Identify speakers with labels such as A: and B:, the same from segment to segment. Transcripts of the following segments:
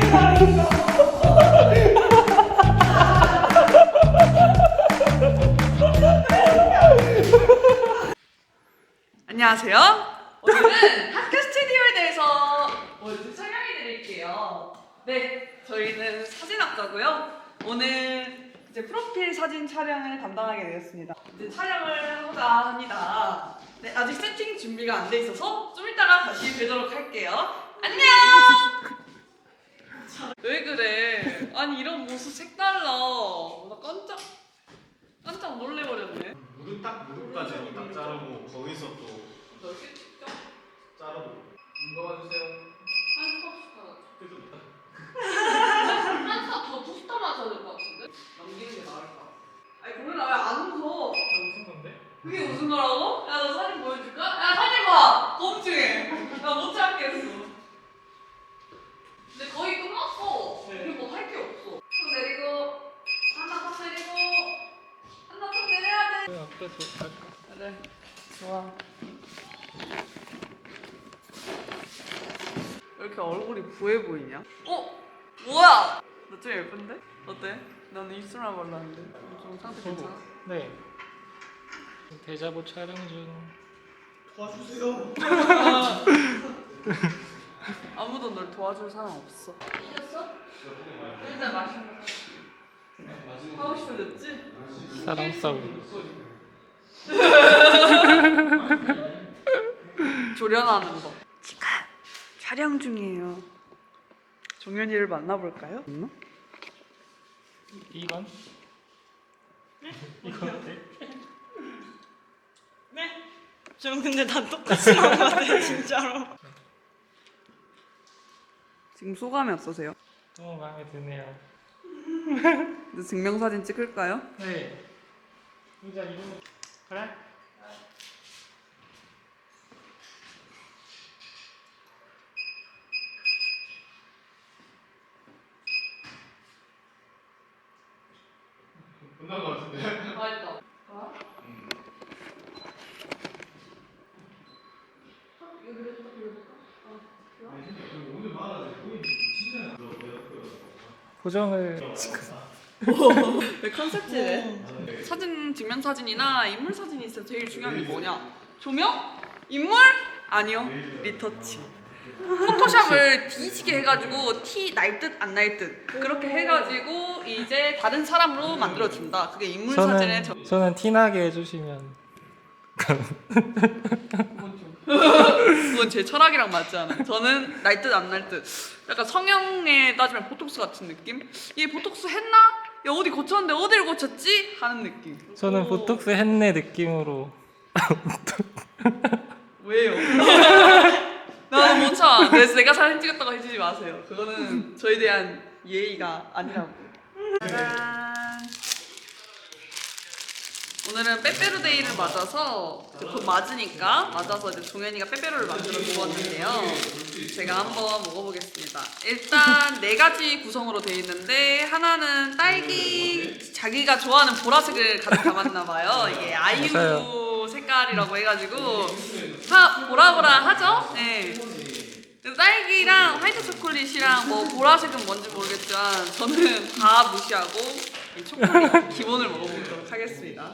A: 안녕하세요. 오늘은 학교 스튜디오에 대해서 설명해 드릴게요. 네, 저희는 사진학과고요. 오늘 이제 프로필 사진 촬영을 담당하게 되었습니다. 이제 촬영을 하고자 합니다. 네, 아직 세팅 준비가 안 돼 있어서 좀 이따가 다시 뵈도록 할게요. 안녕! 왜 그래? 아니 이런 모습 색달라. 나 깜짝 놀래버렸네.
B: 무릎까지 딱 자르고 거기서 또
A: 넓게 찍죠?
B: 자르고 이거 봐주세요.
A: 한스탑 더 투스타 맞아야 될 것 같은데? 넘기는 게 나을까? 아니 고민아 왜 안 웃어?
B: 무슨 건데?
A: 그게 무슨 거라고? 야 너 사진 보여줄까? 야 사진 봐! 꼼증해! 나 못 참겠어. 근데 거의 끝났어.
B: 네.
A: 우리 뭐 할 게 없어. 턱 내리고 하나 턱 내리고 하나 턱 내려야 돼.
B: 앞에서 할까?
A: 그래 좋아. 왜 이렇게 얼굴이 부해 보이냐? 어? 뭐야? 너 좀 예쁜데? 어때? 나는 입술만 발랐는데 좀 상태 괜찮아?
C: 네. 데자부 촬영 중.
B: 도와주세요.
A: 아무도 널 도와줄 사람 없어. 이겼어? 일단 맛있는 거 하고 싶어졌지?
C: 사랑 싸움.
A: 조련하는 거. 지금 촬영 중이에요. 종현이를 만나볼까요?
C: 이건? 이거 어때?
D: 네? 좀 근데 다 똑같이 나온 것 같아요 진짜로.
A: 지금 소감이 어떠세요?
C: 너무 마음에 드네요.
A: 이제 증명사진 찍을까요?
C: 네. 진짜 이거 그래?
B: 끝난 거 같은데?
A: 맛있다.
B: 오늘 말하자. 진짜
C: 고정을
A: 왜 컨셉지네? 사진, 증명사진이나 인물사진이 있을 때 제일 중요한 게 뭐냐? 조명? 인물? 아니요, 리터치. 포토샵을 뒤지게 해가지고 티 날 듯 안 날 듯 그렇게 해가지고 이제 다른 사람으로 만들어준다. 그게 인물사진의
C: 저는 티나게 해주시면.
A: 그건 제 철학이랑 맞지 않아요. 저는 날 듯 안 날 듯. 약간 성형에 따지면 보톡스 같은 느낌? 얘 보톡스 했나? 야 어디 고쳤는데 어디를 고쳤지? 하는 느낌.
C: 저는 보톡스 했네 느낌으로.
A: 왜요? 나는 못 참아. 그래서 내가 사진 찍었다고 해주지 마세요. 그거는 저에 대한 예의가 아니라고. 짜잔. 오늘은 빼빼로데이를 맞아서 곧 맞아서 이제 종현이가 빼빼로를 만들어 주었는데요. 제가 한번 먹어보겠습니다. 일단 4가지 구성으로 되어 있는데 하나는 딸기 자기가 좋아하는 보라색을 가득 담았나 봐요. 이게 아이유
C: 맞아요.
A: 색깔이라고 해가지고 보라보라 하죠? 네. 딸기랑 화이트 초콜릿이랑 뭐 보라색은 뭔지 모르겠지만 저는 다 무시하고 이 초콜릿 기본을 먹어보도록 하겠습니다.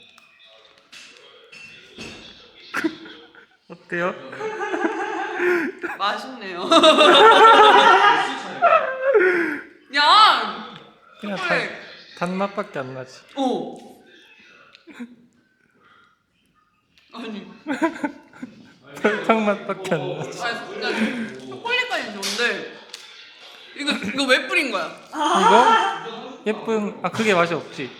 C: 어때요?
A: 맛있네요. 야!
C: 그냥
A: 초콜릿!
C: 단맛밖에 안 나지.
A: 오! 아니
C: 설탕맛밖에 안 나지.
A: 아니 초콜릿까지 좋은데 이거 왜 뿌린 거야?
C: 이거? 예쁜, 그게 맛이 없지.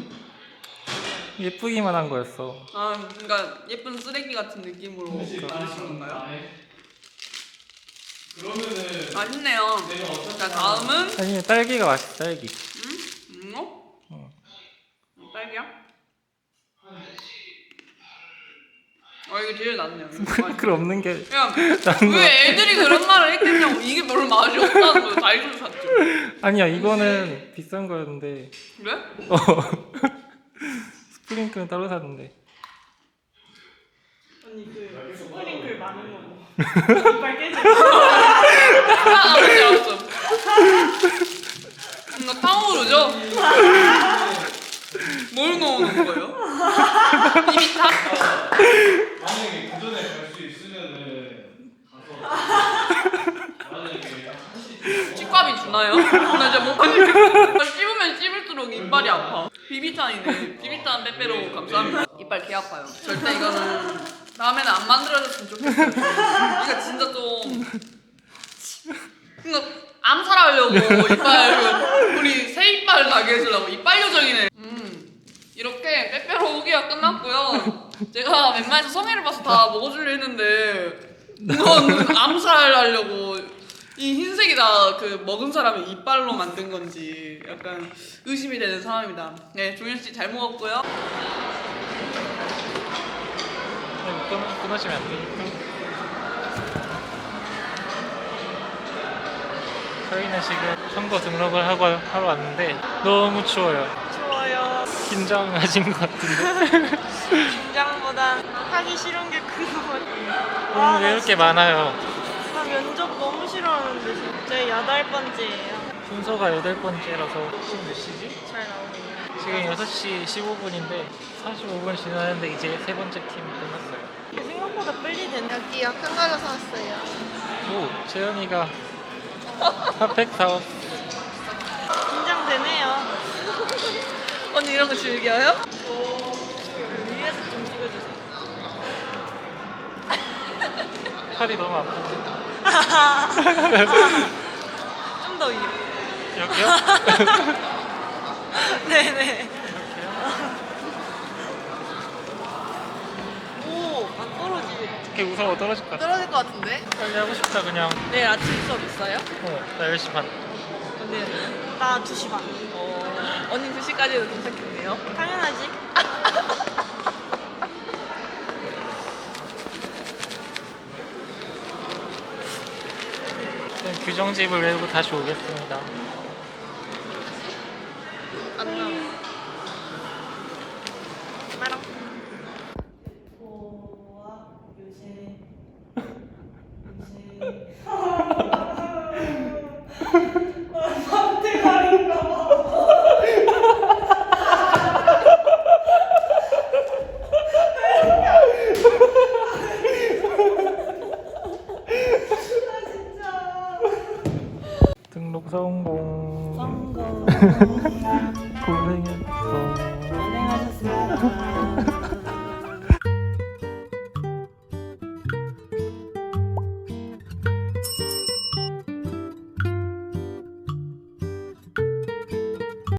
C: 예쁘기만 한 거였어.
A: 아 그러니까 예쁜 쓰레기 같은 느낌으로 만드신 건가요?
B: 그러면은
A: 맛있네요. 자 다음은
C: 아니, 딸기가 맛있어, 딸기.
A: 어? 딸기야? 이게 제일 낫네요.
C: 스프링클 없는 게.
A: 야, 왜 애들이 그런 말을 했겠냐고. 이게 별로 맛이 없다는 거예요. 달걀 샀죠.
C: 아니야, 이거는 비싼 거였는데.
A: 그래?
C: 스프링클은 따로 샀는데.
D: 언니 그 스프링클 많은 거 이빨 깨지.
A: 알았어. 콩누르죠? 뭘 넣어놓은 거예요? 비비탄?
B: 만약에 그 전에 갈 수 있으면은 가서 만약에 한시
A: 치과비 주나요? 나 진짜 못 가겠어. 씹으면 씹을수록 이빨이 아파. 비비탄이네. 비비탄 빼빼로 감사합니다. 이빨 개 아파요. 절대 이거는 다음에는 안 만들어졌으면 좋겠어요. 이거 진짜 좀 그니까 암살하려고 이빨 우리 새 이빨 나게 해주려고 이빨 요정이네. 이렇게 빼빼로 후기가 끝났고요. 제가 웬만해서 성의를 봐서 다 먹어주려 했는데 이건 암살하려고 이 흰색이 다 그 먹은 사람의 이빨로 만든 건지 약간 의심이 되는 상황입니다. 네, 종현 씨 잘 먹었고요.
C: 끊으시면 안 되니까. 저희는 지금 선거 등록을 하러 왔는데 너무 추워요.
D: 좋아요.
C: 긴장하신 것 같은데.
D: 긴장보단 하기 싫은 게 큰 것 같아요.
C: 오늘 왜 이렇게 많아요?
D: 나 면접 너무 싫어하는데 진짜 8번째예요.
C: 순서가 8번째라서 지금 몇 시지?
D: 잘 나오네요.
C: 지금 6시 15분인데 45분 지났는데 이제 3번째 팀이 끝났어요.
D: 생각보다 빨리 됐네.
E: 여기요. 큰 걸로 사왔어요.
C: 오, 재현이가 핫팩 사왔어.
D: 긴장되네요.
A: 언니 이런 거 즐겨요?
D: 위에서 좀 찍어주세요.
C: 팔이 너무 아픈데.
D: 좀 더 위로.
C: 여기요?
D: 네네.
C: 이렇게요?
D: 오, 안 떨어지네.
C: 이렇게 무서워 떨어질 것 같아.
E: 떨어질 것 같은데?
C: 빨리 하고 싶다 그냥.
A: 내일 아침 수업 있어요?
C: 나 10시 반.
A: 언니는?
D: 나 2시 반.
A: 언니 2시까지도 도착했네요.
D: 당연하지.
C: 규정집을 외우고 다시 오겠습니다.
E: 안녕.
D: 나랑. 보아 요새
C: 등록 성공.
D: 성공.